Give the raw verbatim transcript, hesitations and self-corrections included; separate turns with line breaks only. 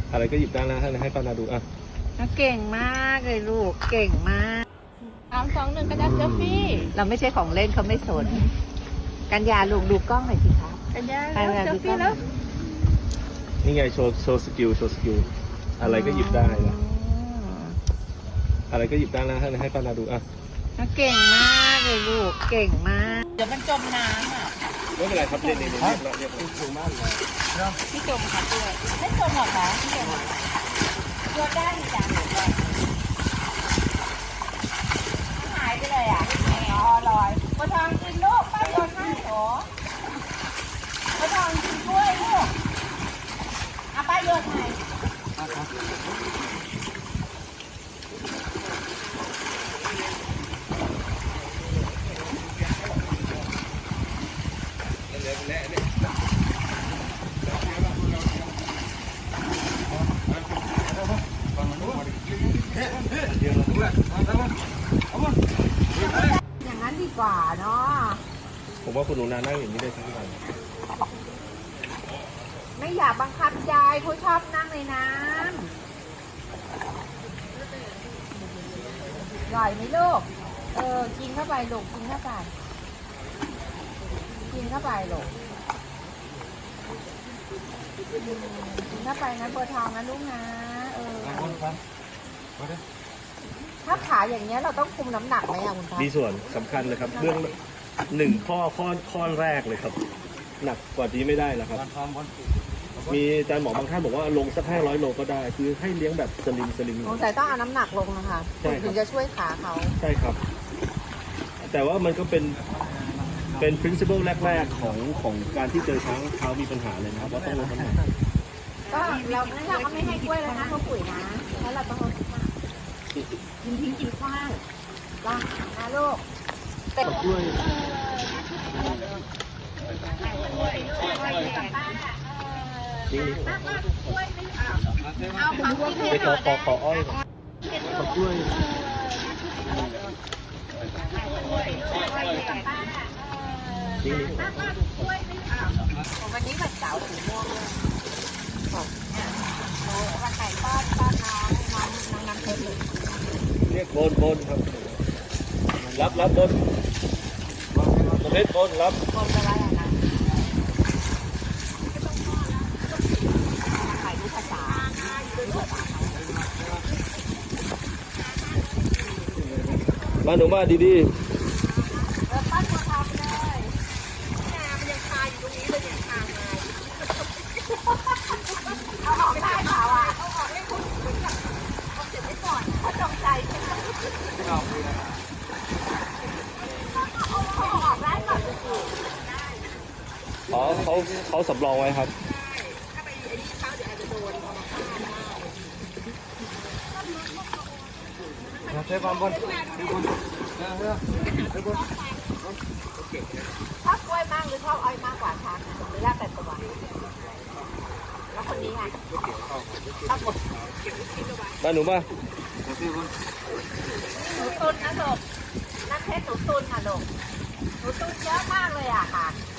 อะไรก็หยิบได้นะให้ให้ป้านาดูอ่ะ
เก่งมากเลยลูกเก่งมาก
สามสองหนึ่งกระดาษเซลฟี่
เราไม่ใช่ของเล่นเขาไม่สนกัญญาลูกดูกล้องหน่อยสิครับ
กัญญาเซลฟี่แล้ว
นี่ไงโชว์โชว์สกิลโชว์สกิลอะไรก็หยิบได้นะอะไรก็หยิบได้นะให้ให้ป้านาดูอ่ะ
เก่งมากเลยลูกเก่งมาก
เดี๋ยวมันจมน้ำอ่ะ
ไม่เป็นไรครับเรียนเรียนเรียบเรียบถูกมากเลย
พี่จมค่ะเพื่อนไม่จมหรอคะพี่จมโยนได้จ้ะหายไปเลยอ่ะอ๋อลอยมาทางกินลูกป้าโยนให้หรอมาทางกินกล้วยลูกอ่ะป้าโยนให้
อย่างนั้นดีกว่าเนาะ
ผมว่าคุณหนูนานั่งอย่างนี้ได้ทั้งวัน
ไม่อยากบังคับยายเขาชอบนั่งในน้ำอร่อยไหมลูกเออกินเข้าไปลูกกินเข้าไปกินเข้าไปลูกกินเข้าไปนะเบอร์ทองนะลูกนะเออถ้าขาอย่างเงี้ยเราต้องคุมน้ำหนักไหมอะคุณพ่อ
มีส่วนสำคัญเลยครับเรื่องหนึ่งข้อข้อข้อแรกเลยครับหนักกว่านี้ไม่ได้แล้วครับมีอาจารย์หมอบางท่านบอกว่าลงสักห้าร้อยโลก็ได้คือให้เลี้ยงแบบสลิมสลิม
สงสัยต้องเอาน้ำหนักลงนะคะถึงจะช่วยขาเขา
ใช่ครับแต่ว่ามันก็เป็นเป็น principle แรกๆของของการที่เจอช้างเท้ามีปัญหาเลยนะครับว่าต้องลดน้ำหนัก
ก็เราเราก็ไม่ให้กล้วยแล้วนะเขาปุ๋ยนะแล้วเราต้องลดน้ำหนักกินทิ้งกินขว้างล่ะนะลูกเป็ด
กล้วยนี่
เอาของกินให้ห
น่อยขอขออ้อยขอกล้วยนี่
วันนี้วันเสาร์สีม่วงเลยวันไก่ป้อนป้อนน้องน้องน้องน้ำเพชรเลย
เรียกบนบนครับรับรับบนประเภทบนรับบ
นจะว่าอะไรนะขายรู้ภาษา
มาหนูมาดีๆ
เออปั้นตัวทำเลยน้ำมันยังคาอยู่ตรงนี้เลยยังคามาเอาออกไม่ได้เปล่าอ่ะเอาออกให้คุณคุณแบบเอาเสร็จไว้ก่อนเขาจงใจใช่ไหมเอาออกได้ก่อน
อ๋อเขาเขาสำรองไว้ครับ
ถ้าไปไอ้นี่เขาเดี๋ยวอาจจะโดน
เทปบอล
ชอบกล้วยมากหรือชอบอ้อยมากกว่าช้างหรือแล้วแต่ตัวแล้วคนนี้ไงชอบหมด
มาหนูมา
หนูตุนนะลูกนั่นเพชรหนูตุนค่ะลูกหนูตุนเยอะมากเลยอะค่ะ